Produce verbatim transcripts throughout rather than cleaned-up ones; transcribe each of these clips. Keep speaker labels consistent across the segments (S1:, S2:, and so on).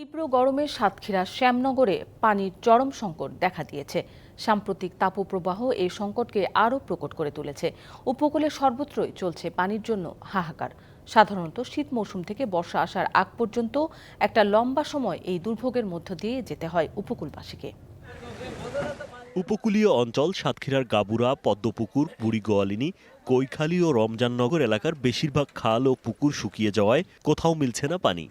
S1: তীব্র গরমে সাতক্ষীরার শ্যামনগরে পানির চরম সংকট দেখা দিয়েছে। সাম্প্রতিক তাপপ্রবাহ এই সংকটকে আরও প্রকট করে তুলেছে। উপকূলে সর্বত্রই চলছে পানির জন্য হাহাকার। সাধারণত শীত মৌসুম থেকে বর্ষা আসার আগ পর্যন্ত একটা লম্বা সময় এই দুর্ভোগের মধ্য দিয়ে যেতে হয় উপকূলবাসীকে।
S2: উপকূলীয় অঞ্চল সাতক্ষীরার গাবুরা, পদ্মপুকুর, বুড়ি গোয়ালিনী, কৈখালী ও রমজাননগর এলাকার বেশিরভাগ খাল ও পুকুর শুকিয়ে যাওয়ায় কোথাও মিলছে না পানি।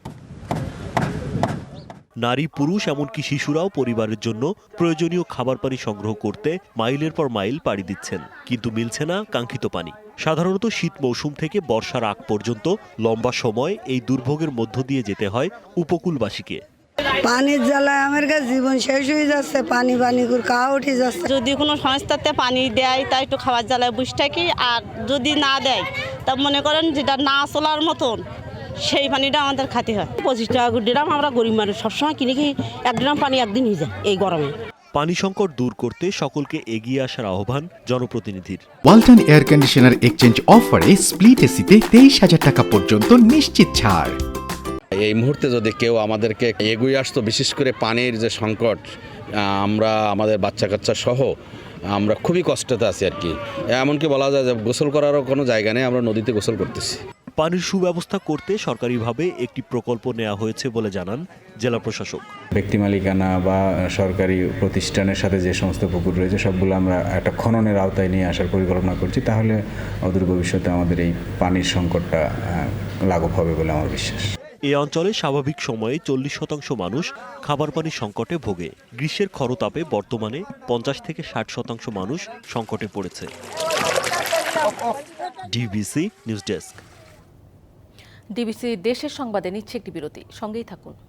S2: নারী, পুরুষ এমনকি শিশুরাও পরিবারের জন্য প্রয়োজনীয় খাবার পানি সংগ্রহ করতে মাইলের পর মাইল পাড়ি দিচ্ছেন, কিন্তু মিলছে না কাঙ্ক্ষিত পানি। সাধারণত শীত মৌসুম থেকে বর্ষার আগ পর্যন্ত লম্বা সময় এই দুর্ভোগের মধ্য দিয়ে যেতে হয় উপকূলবাসীকে।
S3: পানির জ্বালায় আমার কাছে জীবন শেষ হয়ে যাচ্ছে, পানি পানি করে কা উঠে যাচ্ছে।
S4: যদি কোনো সংস্থাতে পানি দেয় তাই একটু খাবার জ্বালায় বুঝ থাকি, আর যদি না দেয় তা মনে করেন যেটা না চলার মতন সেই পানিটা আমাদের খাতে হয়।
S5: পঁচিশ টাকা ড্রাম, আমরা গরিব মানুষ সবসময় কিনে কি এক ড্রাম পানি একদিন হয়ে যায় এই গরমে।
S2: পানি সংকট দূর করতে সকলকে এগিয়ে আসার আহ্বান জনপ্রতিনিধির।
S6: ওয়ালটন এয়ার কন্ডিশনার এক্সচেঞ্জ অফারে স্প্লিট এসিতে তেইশ হাজার টাকা পর্যন্ত নিশ্চিত ছাড়।
S7: এই মুহূর্তে যদি কেউ আমাদেরকে এগিয়ে আসতো, বিশেষ করে পানির যে সংকট, আমরা আমাদের বাচ্চা কাচ্চা সহ আমরা খুবই কষ্টতে আছি আর কি। এমনকি বলা যায় যে গোসল করারও কোনো জায়গা নেই, আমরা নদীতে গোসল করতেছি।
S2: পানির সুব্যবস্থা করতে সরকারিভাবে একটি প্রকল্প নেওয়া হয়েছে বলে জানান জেলা প্রশাসক।
S8: ব্যক্তি মালিকানা বা সরকারি প্রতিষ্ঠানের সাথে যে সমস্ত পুকুর রয়েছে সবগুলো আমরা একটা খননের আওতায় নিয়ে আসার পরিকল্পনা করছি। তাহলে অদূর ভবিষ্যতে আমাদের এই পানির সংকটটা লাঘব হবে বলে আমার বিশ্বাস।
S2: এই অঞ্চলে স্বাভাবিক সময়ে চল্লিশ শতাংশ মানুষ খাবার পানির সংকটে ভোগে। গ্রীষ্মের খরতাপে বর্তমানে পঞ্চাশ থেকে ষাট শতাংশ মানুষ সংকটে পড়েছে। DBC news desk.
S1: ডিবিসি দেশের সংবাদে নিচ্ছে একটি বিরতি, সঙ্গেই থাকুন।